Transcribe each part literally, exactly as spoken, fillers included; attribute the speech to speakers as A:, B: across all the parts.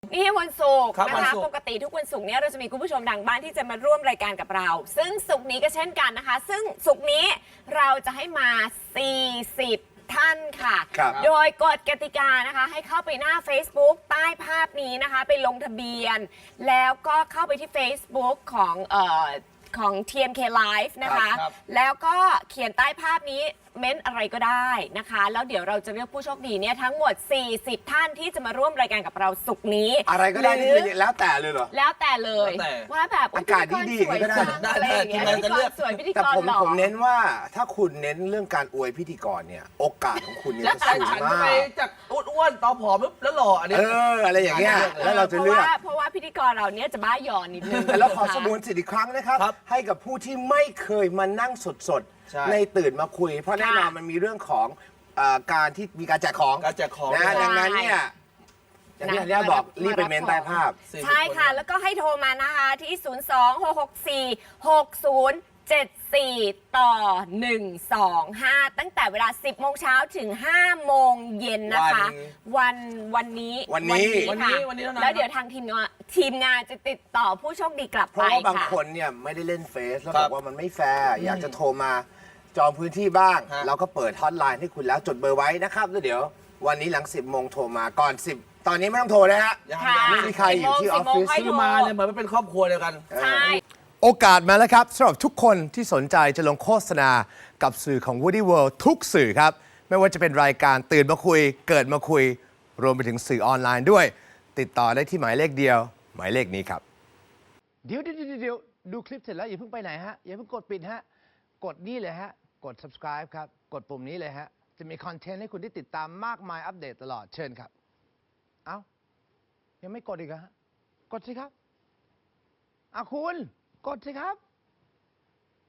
A: นี่วันศุกร์
B: ครับ
A: นะ
B: วัน
A: คะ
B: ศุกร์
A: ปกติทุกวันศุกร์เนี้ยเราจะมีคุณผู้ชมทางบ้านที่จะมาร่วมรายการกับเรา ซึ่งศุกร์นี้ก็เช่นกันนะคะ ซึ่งศุกร์นี้เราจะให้มา สี่สิบ ท่านค่ะ
C: ครับ
A: โดยกฎกติกานะคะให้เข้าไปหน้า Facebook ใต้ภาพนี้นะคะ ไปลงทะเบียน แล้วก็เข้าไปที่ Facebook ของเอ่อของ ที เอ็ม เค Live นะคะ
B: ครับ
A: แล้วก็เขียนใต้ภาพนี้เม้นอะไรก็ได้นะคะ แล้วเดี๋ยวเราจะเลือกผู้โชคดีเนี่ยทั้งหมด สี่สิบ ท่านที่จะมาร่วมรายการกับเราศุกร์นี้
C: อะไรก็ได้
A: ห
C: ที่
A: รือ
C: เป็นแล้วแต่เลยเหรอ
A: แล้วแต่เลย
B: แล้วแต่
A: ว่าแบบ
C: อากาศดีๆ
A: พิธี
C: ก็ได้
A: สวยจัง
B: ได้
A: อะไรอย่างเงี้ย
B: ได้
A: พิธี
B: จะ
A: ก
B: เลื
A: ร
B: อก
A: สวยพิธี
C: แต่
A: กร
C: ผม
A: หล่อ
C: ผมเน้นว่าถ้าคุณเน้นเรื่องการอวยพิธีกรเนี่ยโอกาสของคุณเนี่ย
B: แล้ว
C: จะ
B: ฉัน
C: สูง
B: ฉัน
C: มา
B: ไป
C: ก
B: จากอ้วนๆตอผอมปุ๊บแล้วหล่ออันนี้
C: เอออะไรอย่างเงี้ยแล้วเราจะเลือก
A: พราะว่าเพราะว่าพิธีกรเราเนี่ยจะบ้าหยอนนิดนึง
C: แต่เราขอสมวนสิทธิ์อีกครั้งนะครับ
B: ครับ
C: ให้กับผู้ที่ไม่เคยมานั่งสด
B: ใช่
C: ๆ ในตื่นมาคุย เพราะแน่นอนมันมีเรื่องของเอ่อการที่มีการแจกของ
B: การแจกของ
C: นะ
B: ด้วย
C: ดังนั้นเนี่ยอย่างที่อันเนี้ยบอกรีบไปเมนใต้ภาพ
A: ใช่ค่ะ แล้วก็ให้โทรมานะคะที่ ศูนย์ สอง หก หก สี่ หก ศูนย์ เจ็ด สี่ ต่อ หนึ่ง สอง ห้า ตั้งแต่เวลา สิบ โมงเช้าถึง ห้า โมงเย็นนะคะ วันวันนี้
C: วันนี้
B: วัน
A: ค่ะ
B: นี้วันนี้เท่านั้น
A: แล้วเดี๋ยวทางทีมงานทีมงานจะติดต่อผู้โชคดีกลับ
C: เพ
A: ไป
C: ราะว่าบาง
A: ค่ะ
C: คนเนี่ยไม่ได้เล่นเฟซแล้ว
B: ครับ บ
C: อกว่ามันไม่แฟร์อยากจะโทรมาจองพื้นที่บ้าง
B: ฮะ
C: เราก็เปิดฮอตไลน์ให้คุณแล้วจดเบอร์ไว้นะครับแล้วเดี๋ยววันนี้หลัง สิบ โมงโทรมาก่อน สิบ ตอนนี้ไม่ต้องโทรนะฮะ
B: ยัง
A: ค่ะ
B: ยัง
C: ไม่มีใครอยู่ที่ออฟฟิศ
A: สิบโมง
B: คือมาเนี่ยเหมือนเป็นครอบครัวเดียวกัน
A: ใช่
C: โอกาสมาแล้วครับสำหรับทุกคนที่สนใจจะลงโฆษณากับสื่อของ Woody World ทุกสื่อครับ ไม่ว่าจะเป็นรายการตื่นมาคุย เกิดมาคุย รวมไปถึงสื่อออนไลน์ด้วย ติดต่อได้ที่หมายเลขเดียว หมายเลขนี้ครับ
D: เดี๋ยวเดี๋ยวเดี๋ยวเดี๋ยวดูคลิปเสร็จแล้วอย่าเพิ่งไปไหนฮะ อย่าเพิ่งกดปิดฮะ กดนี่เลยฮะ กด subscribe ครับ กดปุ่มนี้เลยฮะ จะมีคอนเทนต์ให้คุณได้ติดตามมากมายอัปเดตตลอดเชิญครับ เอ้า ยังไม่กดอีกเหรอฮะ กดสิครับอ่ะคุณ กดสิครับ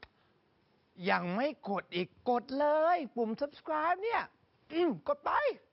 D: ยังไม่กดอีกกดเลย ปุ่ม subscribe เนี่ย อืมกดไป